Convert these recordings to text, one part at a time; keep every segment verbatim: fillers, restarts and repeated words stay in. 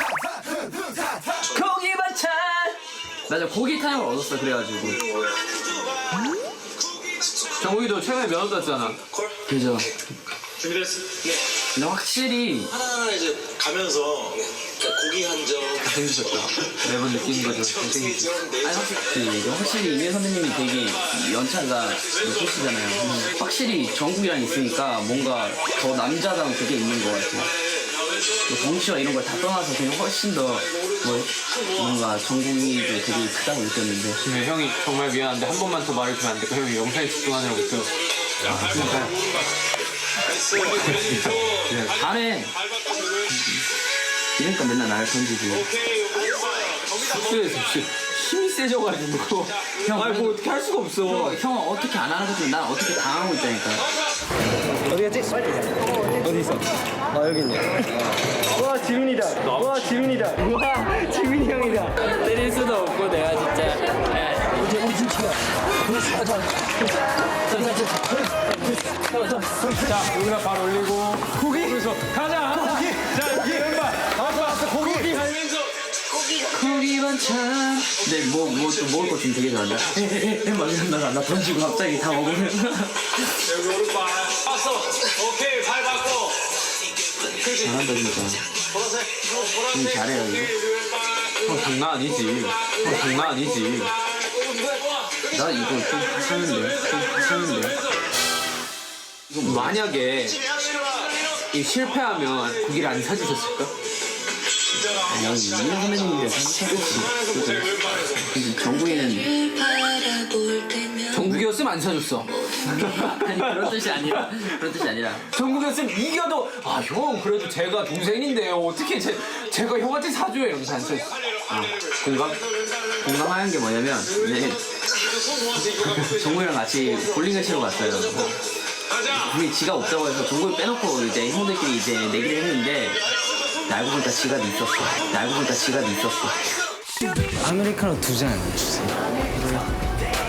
고기 반찬. 맞아 고기 타임을 얻었어 그래가지고. 정국이도 최근에 면허 땄잖아. 그죠. 준비됐어? 네. 근데 확실히 하나하나 이제 가면서 고기 한 점, 잘생기셨다. 매번 느끼는 거죠. 잘생기셨다. 아니 확실히 그 확실히 이민 선배님이 되게 연차가 높으시잖아요. 확실히 정국이랑 있으니까 뭔가 더 남자다운 그게 있는 것 같아요. 뭐 덩치와 이런 걸 다 떠나서 그냥 훨씬 더 뭐, 뭔가 정국이도 되게 크다고 느꼈는데. 네, 형이 정말 미안한데 한 번만 더 말해주면 안 될까? 형이 영상에 집중하느라고 또. 아, 진짜요? 잘해. 이러니까 맨날 나를 던지고. 숙소에서 혹시 힘이 세져가지고. 형, 아니, 뭐 어떻게 할 수가 없어. 형, 형은 어떻게 안 하는 것도 난 어떻게 당하고 있다니까. 어디 갔지? 어디 있어? 아 여기 있네. 와 지민이다. 와 지민이다. 와 지민이 형이다. 때릴 수도 없고 내가 진짜. 자 여기다 발 올리고 고기. 그래서 가자. 고기. 자 여기 왼발. 왔어 왔어 고기. 고기 하면서. 고기 반찬. 근데 뭐, 뭐, 또 먹을 거 좀 되게 잘한다. 에에에, 막 이런다가 나 던지고 갑자기 다 먹으면. 여기 오른발. 봤어. 오케이, 발 바꿔. 잘한다, 진짜. 보라색. 보라색. 좀 잘해요, 이거. 형 장난 아니지. 형 장난 아니지. 나 이거 좀 하는데. 좀 하는데. 만약에 이 실패하면 고기를 안 사주셨을까? 아니, 이민 선배님이랑 생각했지. 근데 정국이는. 정국이었으면 안 사줬어. 아니, 그런 뜻이 아니라. 그런 뜻이 아니라. 정국이었으면 이겨도 아 형 그래도 제가 동생인데요 어떻게 제, 제가 형한테 사줘요 이러면서 안 사줬어. 아, 공감? 공감하는 게 뭐냐면, 이제 정국이랑 같이 볼링을 치러 갔어요. 분명히 지가 없다고 해서 정국이 빼놓고 이제 형들끼리 이제 내기를 했는데, 알고 보니까 지갑이 있었어. 알고 보니까 지갑이 있었어. 아메리카노 두 잔 주세요.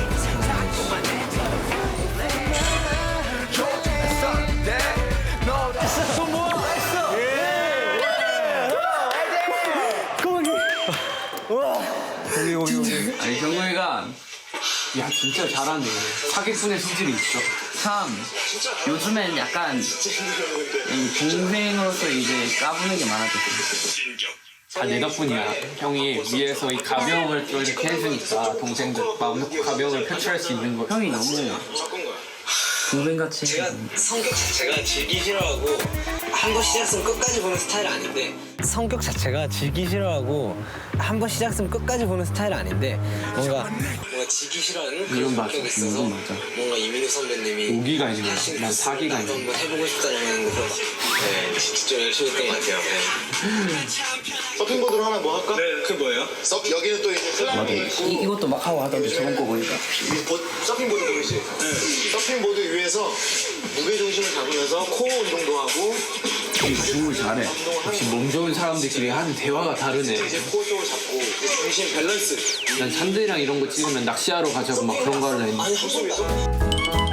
아니, 정국이가 야 진짜 잘하네. 사기꾼의 소질이 있어. 참, 요즘엔 약간, 이 동생으로서 이제 까부는 게 많아졌어. 다 내 덕분이야. 형이 위에서 이 가벼움을 또 이렇게 해주니까 동생들 마음 놓고 가벼움을 표출할 수 있는 거. 형이 너무 바꾼 거야. 동생같이. 제가 성격 자체가 질기 싫어하고 한 번 시작했으면 끝까지 보는 스타일 아닌데 성격 자체가 지기 싫어하고 한 번 시작했으면 끝까지 보는 스타일 아닌데 뭔가 뭔가 지기 싫어하는 이건 그런 맞아. 성격이 있어서 이건 맞아. 뭔가 이민우 선배님이 오기가 아니고 하신 난 그 사기가 나도 아니고. 한번 해보고 싶다는 그런 네, 진짜 좀 열심히 했던 것 같아요. 네. 서핑보드로 하나 뭐 할까? 네, 그 뭐예요? 서, 여기는 또 이제 슬라임이 있고 이, 이것도 막 하고 하던데 저번 거 보니까. 이 보, 서핑보드 보이지? 네. 서핑보드 위에서 무게중심을 잡으면서 코어 운동도 하고 중을 잘해. 역시 몸 좋은 사람들끼리 하는 대화가 다르네. 이제 코어 쪽을 잡고 이제 중심 밸런스 난 산들이랑 이런 거 찍으면 낚시하러 가자고 막 그런 거 하려 했는데. 아니 한 번도 안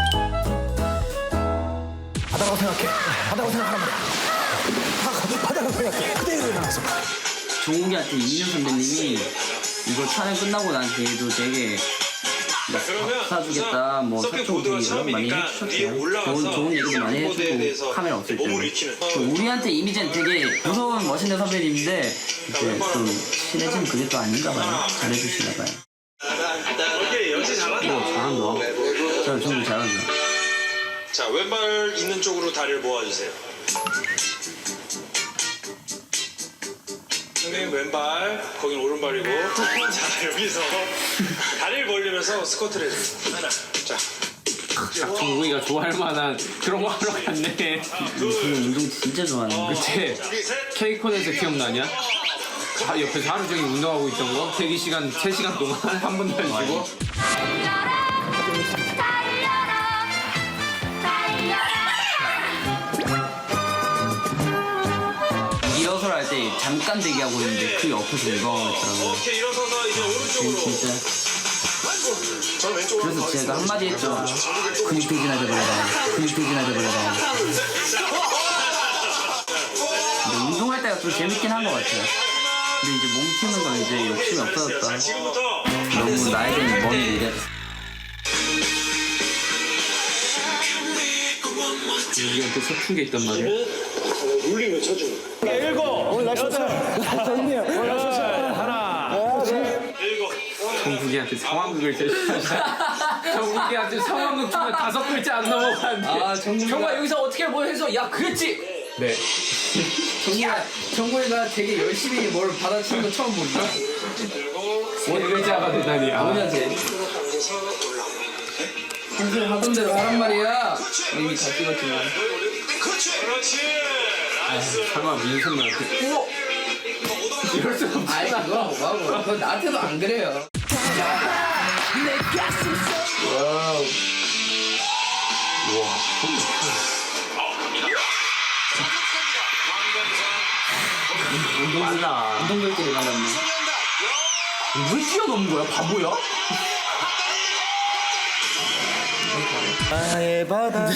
바다라고 생각해. 바다라고 생각하란 말이야. 바- 바다라고 생각해. 그대로 일어나서. 종욱이한테 이민호 선배님이 이거 촬영 끝나고 난 뒤에도 되게 막 밥 사주겠다, 뭐 사촌 얘기를 많이 해주셨어요. 좋은, 좋은 얘기도 많이 해주고 카메라 없을 때. 우리한테 이미지는 되게 무서운 멋있는 선배님인데 이제 좀 친해지면 그게 또 아닌가 봐요. 잘해주시나 봐요. 오케이, 역시 잘한다. 잘한다. 저 정말 잘한다. 자, 왼발 있는 쪽으로 다리를 모아주세요. 선생님 왼발, 거긴 오른발이고. 자, 여기서 다리를 벌리면서 스쿼트를 해주세요. 하나, 자, 정국이가 좋아할 만한 그런 거 하러 갔네. 그 운동 진짜 좋아하는 그때 케이콘에서 기억나냐? 자, 옆에서 하루 종일 운동하고 있던 거 대기 시간 세 시간 동안 한 번도 안 쉬고. 일어서라 할 때 잠깐 대기하고 있는데 그 옆에서 운동하고 오케이, 일어서서 이제 오른쪽으로. 진짜. 저는 왼쪽으로 그래서 제가 한마디 했죠. 근육 퇴진하자 버려라. 근육 퇴진하자 버려라. 근데 운동할 때가 좀 재밌긴 한 것 같아요. 근데 이제 몸 키우는 건 이제 욕심이 없어졌다. 지금부터 너무 나에게 먼 미래. 우리한테 서툰 게 있단 말이야. 룰링을 쳐주는. 정국이한테 상황극을 제시하자. 정국이한테 상황극 주면 다섯 글자 안 넘어가는데. 아, 정국이가- 정말 여기서 어떻게 뭐 해서 야 그랬지. 네. 정국이가, 정국이가 되게 열심히 뭘 받아치는 거 처음 본다. 원 글자가 되다니. 아. 뭐냐 쟤. 평소에 하던 대로 하란 말이야. 이미 다 찍었지만. 그렇지. 나이스. 설마 민선이한테. 오. 이럴 수 없지. 아이 그거 뭐하고. 그거 나한테도 안 그래요. 운동이다. 운동들끼리 만났네. 왜 뛰어넘는 거야? 바보야? 나의 바다.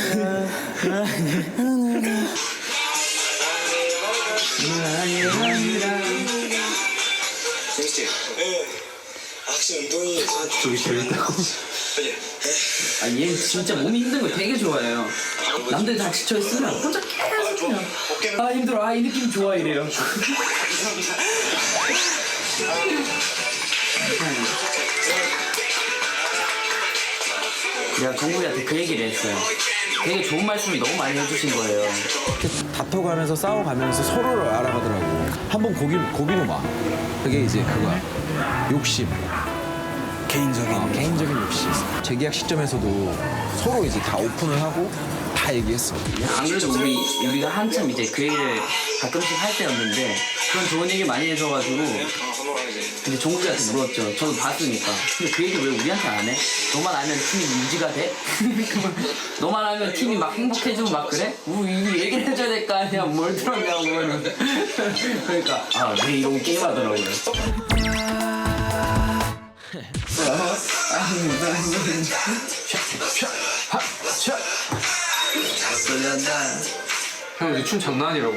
재밌지? 네. 확실히 운동이 저기 재밌다고. 아, 얘 진짜 몸이 힘든 거 되게 좋아해요. 남들 다 지쳐있으면 혼자 계속 그냥 아 힘들어, 아 이 느낌 좋아 이래요. 내가 정국이한테 그 얘기를 했어요. 되게 좋은 말씀을 너무 많이 해주신 거예요. 다퉈가면서 싸워가면서 서로를 알아가더라고. 한번 고기 고기로 막. 그게 이제 그거야. 욕심. 개인적인 어, 개인적인 욕심. 재계약 시점에서도 서로 이제 다 오픈을 하고 다 얘기했어. 안 그래도 우리, 우리가 한참 이제 그 얘기를 가끔씩 할 때였는데 그런 좋은 얘기 많이 해줘가지고 근데 종국이한테 물었죠. 저도 봤으니까. 근데 그 얘기 왜 우리한테 안 해? 너만 알면 팀이 유지가 돼? 너만 알면 팀이 막 행복해지고 막 그래? 우리 이거 얘기를 해줘야 될 거 아니야. 뭘 들었냐고 그러면. 그러니까 아, 네 이러고 게임하더라고요. 형 이제 춤 장난 아니라고.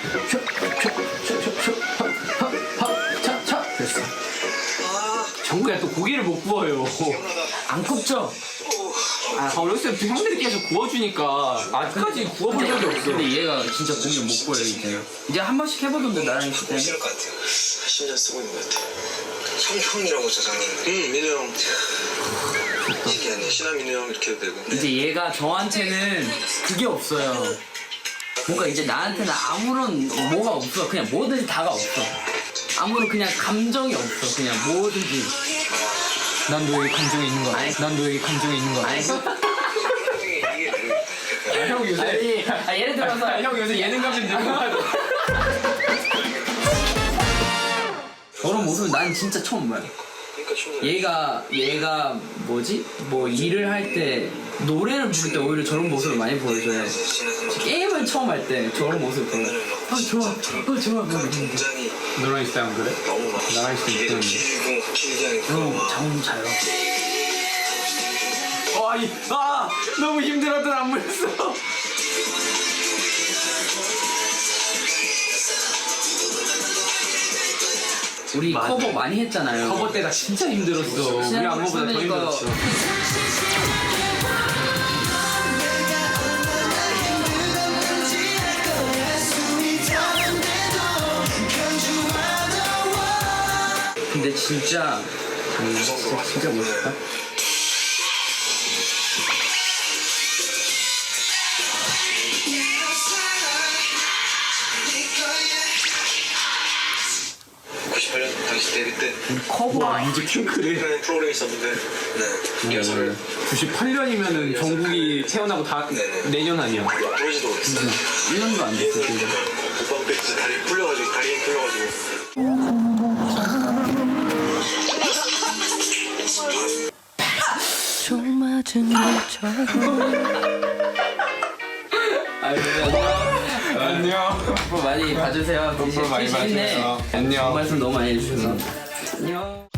차차 됐어. 정국이가 또 고기를 못 구워요. 안 굽죠? 아, 어렸을 때부터 형들이 계속 구워주니까 아직까지 구워본 적이 없어. 근데 얘가 진짜 고기를 못 구워요 이제. 이제 한 번씩 해보던데 나랑 있을 때. 싫을 것 같아요. 십 년 쓰고 있는 것 같아요. 형, 형이라고 저장님. 응, 민우 형. 신기하네. 신하 민우 형 이렇게 해도 되고. 이제 얘가 저한테는 그게 없어요. 뭔가 이제 나한테는 아무런 뭐가 없어. 그냥 뭐든지 다가 없어. 아무런 그냥 감정이 없어. 그냥 뭐든지. 난 너에게 감정이 있는 거 아니. 같아. 난 너에게 감정이 있는 거 같아. 아니, 아, 형 요새 아, 예를 들어서 아, 형 요새 예능감 좀 늘고 가지고. 저런 모습은 난 진짜 처음 봐요. 얘가 얘가 뭐지? 뭐 일을 할 때 노래를 부를 때 오히려 저런 모습을 많이 보여줘요. 게임을 처음 할 때 저런 모습을 보여. 아 좋아, 아 좋아. 너랑 있을 때안 그래? 나랑 있을 때 그런데. 형 잠 자요. 어, 아니, 아, 너무 힘들었던 안무였어. 우리 커버 많이 했잖아요. 커버 때가 진짜 힘들었어. 우리 안무보다 더 힘들었어. 근데 진짜 음, 진짜, 진짜 멋있다. 구십팔 년 당시 데뷔 때 커버 뮤직핑크를. 라는 프로그램이 있었는데 네. 리허설을 구십팔 년이면은 정국이 태어나고 다 내년 아니야. 부르지도 못했어요. 일 년도 안 됐어. 지금. 오빠 앞에 진짜 다리 풀려가지고 다리 힘 풀려가지고 총 맞은 것처럼 아유, 안녕. 앞으로 많이 봐주세요. 앞으로 많이 재밌네. 봐주세요. 안녕. 말씀 너무 많이 해주셔서. 안녕.